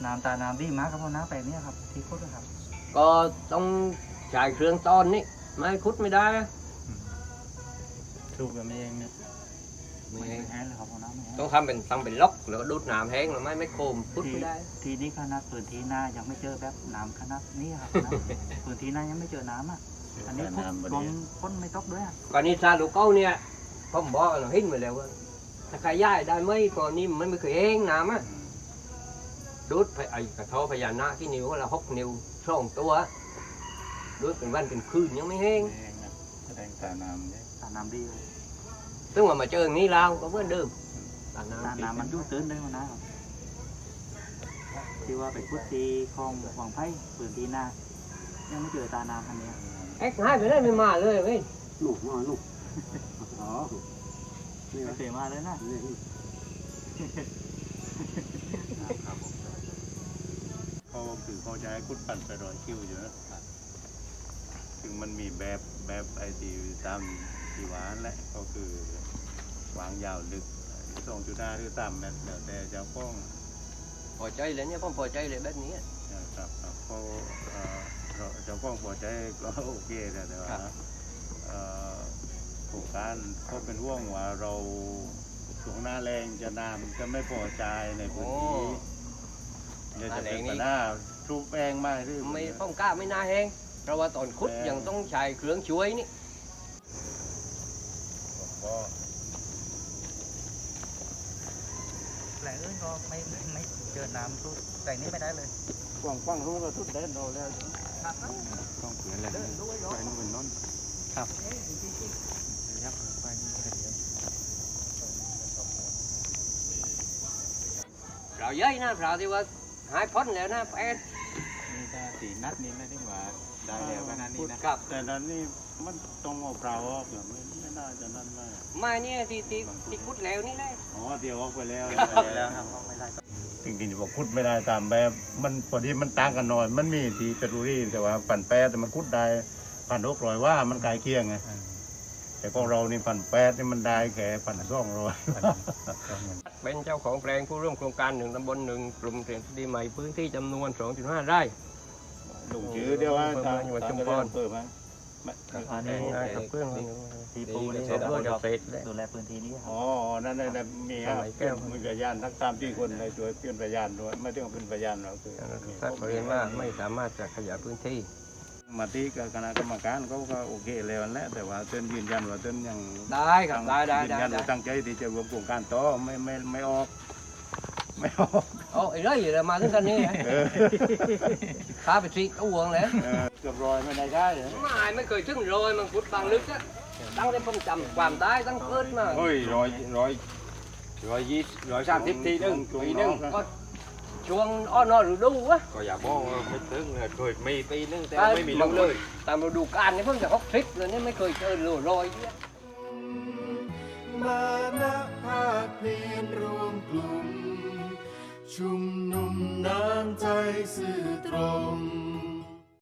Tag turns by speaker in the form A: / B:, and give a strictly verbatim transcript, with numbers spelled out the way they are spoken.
A: น้ำตาน้ำดีมากครับพ่อน้าแปลงนี้ครับที่คุดครับ
B: ก็ต้องใช้เครื่องตอนนี่ไม่คุดไม่ได้
A: ถูกแบบนี้เองเนี่ย
B: ไม่
A: ไม่
B: แห้ง
A: แห้งเลยครับพ่อน้าไม่แห้ง
B: ต้องทำเป็นทำเป็นล็อกแล้วก็ดูดน้ำแห้งหรือไม่ไม่โคมคุดไม่ได้
A: ทีนี้ขนาดพื้นที่หน้ายังไม่เจอแบบน้ำขนาดนี้ครับนะ พื้นที่หน้ายังไม่เจอน้ำอ่ะอันนี้พุดลงพ้นไม่ตกด้วยอ่ะ
B: ก่อนนี้ซาลูกเก้าเนี่ยผมบอกเราเห็นมาแล้วว่าถ้าใครย้ายได้ไหมก่อนนี้มันไม่เคยแห้งน้ำอ่ะดูดไปไอ้กระท้อพญานาคที่นิ้วเราหกนิ้วสองตัวดูดเป็นวันเป็นคืนยังไม่แห้ง
A: แสดงตาน้ำเนี่ยตาน้ำดีเลย
B: ซึ่งว่ามาเจออย่างนี้แล้วก็เหมือนเดิมตา
A: ตา
B: น้ำ
A: น้ำมันยุ่งตื้นได้พ่อน้าครับที่ว่าไปพุดตีคลองวังไผ่พื้นที่หน้ายังไม่เจอตาน้ำอันเนี้ย
B: เอ็กซ์ให้ไปได้ไม่มาเลยเว้ย
C: หนุกมาหนุกอ๋อนี่
A: ไม่เคยมาเลยนะ
C: นี่
D: เขาคือเขาจะให้คุดปั่นไปรอยคิวอยู่นะถึงมันมีแบบแบบไอทีตามที่หวานแหละก็คือวางยาวลึกสองจุดห้าหรือสามเมตรแล้วแต่เจ้าป้อง
B: พอใจเลยเนี่ยผมพอใจเลยแบบนี้
D: นะครับครับเขาเอ่อเราเจ้าป้องพอใจก็โอเคแต่แต่ว่าเอ่อโครงการเขาเป็นห่วงว่าเราช่วงหน้าแรงจะน้ำจะไม่พอใจในพื้นที่เดี๋ยวจะเป็นปัญหาทุบแป้งมากหรือ
B: ไม่ป้องกล้าไม่น่าแห้งเพราะว่าตอนคุดยังต้องใช้เครื่องช่วยนี่
D: ก็
A: แหล่งอื่นก็ไม่ไม่ไม่เจอน้ำทุดแต่นี้ไม่ได้เลย
D: กว้างกว้างรู้ก็ทุบเด่นเราแล้วต้องเปลี่ยนอะไรไปนู่นเป็นน้น
A: ครับยับไปนี่เดี๋ยว
B: เราเย้ยนะเราที่ว่าหายพ้นแล้วนะแปด
D: นี่ถ้าสีนัดนี่ไม่ได้ว่าได้แล้วขนาดนี้นะ
B: กับ
D: แต่นั้นนี่มันต้องเอาเปล่าออกอย่างไม่ไม่น่าจะนั่นมาก
B: มาเนี่ยที่ที่ที่คุดแล้วนี่แหละ
D: อ๋อเดี๋ยวออกไปแล้ว
A: แล้วครับไม่ได้
D: จริงๆบอกคุดไม่ได้ตามแบบมันพอดีมันต่างกันหน่อยมันมีที่เปรูรี่แต่ว่าพันแปดแต่มันคุดได้พันหกร้อยว่ามันกลายเคียงไงแต่ของเรานี่พันแปดนี่มันได้แค่พันสองร้อย
B: เป็นเจ้าของแปลงผู้ร่วมโครงการหนึ่งตำบลหนึ่งกลุ่มเศรษฐกิจใหม่พื้นที่จำนวน สองจุดห้า ไร่
D: ลุงชื่อเดียวว่าทาง
B: อยู่วัดชุมพร
D: เปิดไหม
A: อันนี้
B: ได้กับเครื่อง
A: ที่ปู
B: ได้
A: ได้
B: เสร็จแล้วเสร็จแล้ว
A: ดูแลพื้นที่นี้ครับ
D: อ๋อ นั่นนั่นมีฮะมีพยานทั้งสามที่คนในตัวเป็นพยานด้วยไม่ต้องเป็นพยานเราคือ
B: ถ้าเขาเรียนว่าไม่สามารถจะขยายพื้นที่
D: มาที่กับคณะกรรมการเขาก็โอเคแล้วแหละแต่ว่าเต้นยืนยันว่าเต้นยัง
B: ได้ครับได้ได้
D: ยืน
B: ได้
D: ยัน
B: ได้
D: ว่าตั้งใจที่จะรวมโครงการต่อไม่ไม่ไม่ออก ไม่ออก
B: โอ้ไอ้เรื่องอยู่เลยมาถึงกันนี่ข้าไปซีก็ห่วงเลย
D: เออเกือบร้อยไม่ได้ได้เหรอ
B: ไม่ไม่เคยถึงโรยมันพุดบางลึกอะตั้งแต่ผมจำความได้ตั้งเกิดมา
E: เฮ้ยร้อยร้อยร้อยยี่ร้อยสามสิบทีนึงปีนึง
B: ก็ช่วงอ้อนอฤดูวะ
E: ก็อย่าบอกว่าไม่ถึงเลยเคยมีปีนึงแต่
B: เอ้ย
E: ไม่มีลงเลย
B: ตามฤดูกาลนี่เพิ่งจะหกสิบเลยนี่ไม่เคยเจอโรยโรยเนี่ย
F: มาณภาคเพียรรวมกลุ่ม ชุมนุมน้ำใจสื่อตรง